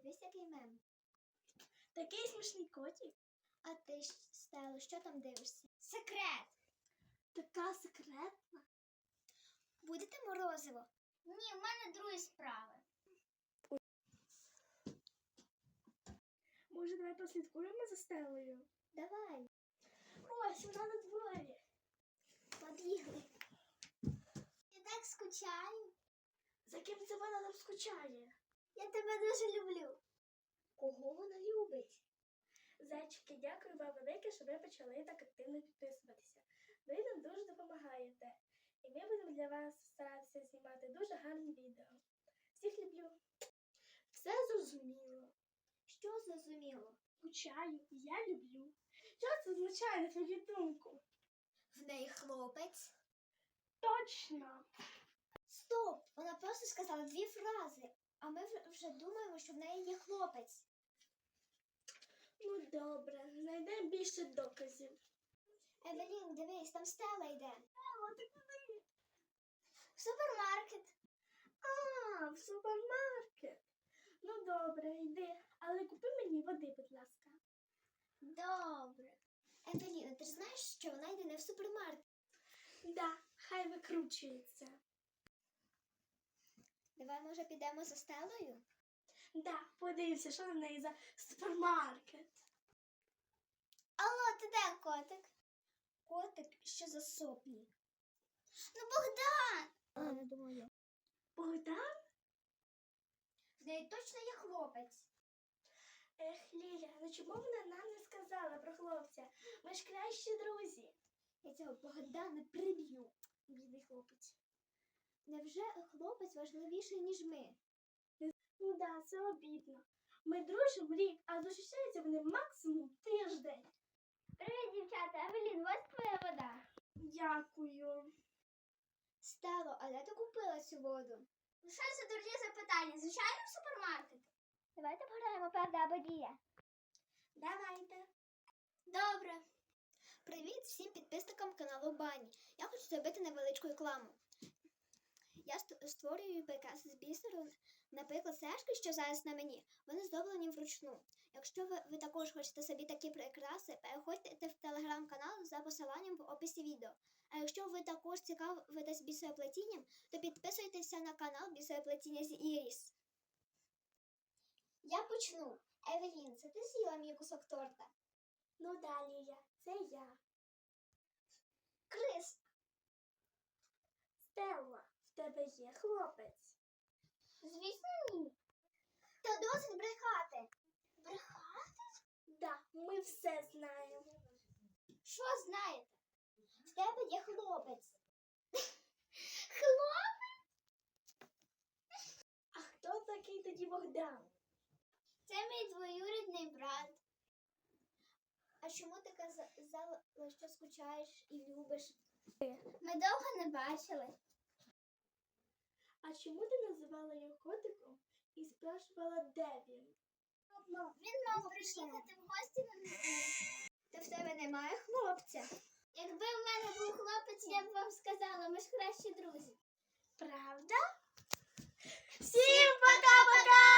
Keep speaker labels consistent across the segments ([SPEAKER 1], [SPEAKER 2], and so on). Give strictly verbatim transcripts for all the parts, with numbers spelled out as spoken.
[SPEAKER 1] Дивись, який мем.
[SPEAKER 2] Такий смішний котик.
[SPEAKER 1] А ти, Стело, що там дивишся?
[SPEAKER 2] Секрет. Така секретна.
[SPEAKER 1] Будете морозиво?
[SPEAKER 2] Ні, в мене другі справи. Може, давай послідкуємо за Стелою?
[SPEAKER 1] Давай.
[SPEAKER 2] Ось, вона на дворі.
[SPEAKER 1] Побігли. Я так скучаю.
[SPEAKER 2] За ким це вона нам скучає?
[SPEAKER 1] Я тебе дуже люблю.
[SPEAKER 2] Кого вона любить? Зайчики, дякую вам велике, що ви почали так активно підписуватися. Ви нам дуже допомагаєте. І ми будемо для вас старатися знімати дуже гарні відео. Всіх люблю. Все зрозуміло.
[SPEAKER 1] Що зрозуміло?
[SPEAKER 2] Скучаю, і я люблю. Що це означає, на твою думку?
[SPEAKER 1] В неї хлопець.
[SPEAKER 2] Точно.
[SPEAKER 1] Стоп! Вона просто сказала дві фрази, а ми вже- вже думаємо, що в неї є хлопець.
[SPEAKER 2] Ну добре, знайдемо більше доказів.
[SPEAKER 1] Евелін, дивись, там Стела йде.
[SPEAKER 2] Стелла, ти куди?
[SPEAKER 1] В супермаркет.
[SPEAKER 2] А, в супермаркет. Ну добре, йди, але купи мені води, будь ласка.
[SPEAKER 1] Добре. Евеліна, ти ж знаєш, що вона йде не в супермаркет.
[SPEAKER 2] Да, хай викручується.
[SPEAKER 1] Давай, може, підемо за Стелою?
[SPEAKER 2] Да, подивимося, що на неї за супермаркет.
[SPEAKER 1] Алло, ти де, котик? Котик, що за соплі? Ну, Богдан! А, не думаю.
[SPEAKER 2] Богдан?
[SPEAKER 1] В неї точно є хлопець.
[SPEAKER 2] Ех, Ліля, ну чому вона нам не сказала про хлопця? Ми ж кращі друзі.
[SPEAKER 1] Я цього Богдана приб'ю. Бідний хлопець. Невже хлопець важливіший, ніж ми?
[SPEAKER 2] Ну да, це обідно. Ми дружимо рік, а зустрічаються вони максимум тиждень.
[SPEAKER 1] Привіт, дівчата. Евелін, ось твоя вода.
[SPEAKER 2] Дякую.
[SPEAKER 1] Стело, а де ти купила цю воду?
[SPEAKER 2] Ну що це дурні запитання? Звичайно, в супермаркеті?
[SPEAKER 1] Давайте пограємо правда або дія.
[SPEAKER 2] Давайте.
[SPEAKER 1] Добре. Привіт всім підписникам каналу Бані. Я хочу зробити невеличку рекламу. Я ст- створюю прикраси з бісеру, наприклад, сережки, що зараз на мені, вони зроблені вручну. Якщо ви, ви також хочете собі такі прикраси, переходьте в телеграм-канал за посиланням в описі відео. А якщо ви також цікавитесь бісероплетінням, то підписуйтеся на канал Бісероплетіння з Іріс. Я почну. Евелін, це ти з'їла мій кусок торта?
[SPEAKER 2] Ну да, Ліля, це я.
[SPEAKER 1] Крис,
[SPEAKER 2] Стелла, в тебе є хлопець?
[SPEAKER 1] звісно, ні. Та досить брехати. Брехати?
[SPEAKER 2] Да, ми все знаємо.
[SPEAKER 1] Що знаєте? В тебе є хлопець. Хлопець?
[SPEAKER 2] А хто такий тоді Богдан?
[SPEAKER 1] Це мій двоюрідний брат. А чому ти казала, що скучаєш і любиш? Ми довго не бачили.
[SPEAKER 2] А чому ти називала його котиком і спрашувала, де він?
[SPEAKER 1] Він мав приїхати в гості на неділю. Та в тебе немає хлопця? Якби в мене був хлопець, я б вам сказала, ми ж кращі друзі.
[SPEAKER 2] Правда? Всім пока-пока!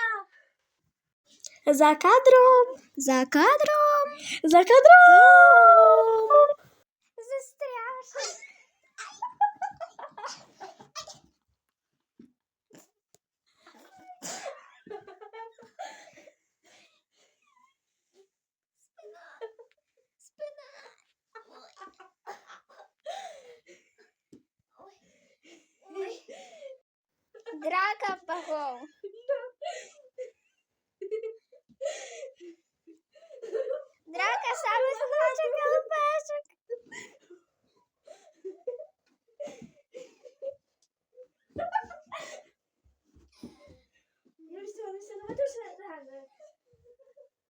[SPEAKER 2] За кадром!
[SPEAKER 1] За кадром!
[SPEAKER 2] За кадром!
[SPEAKER 1] Застряш! Драка богов.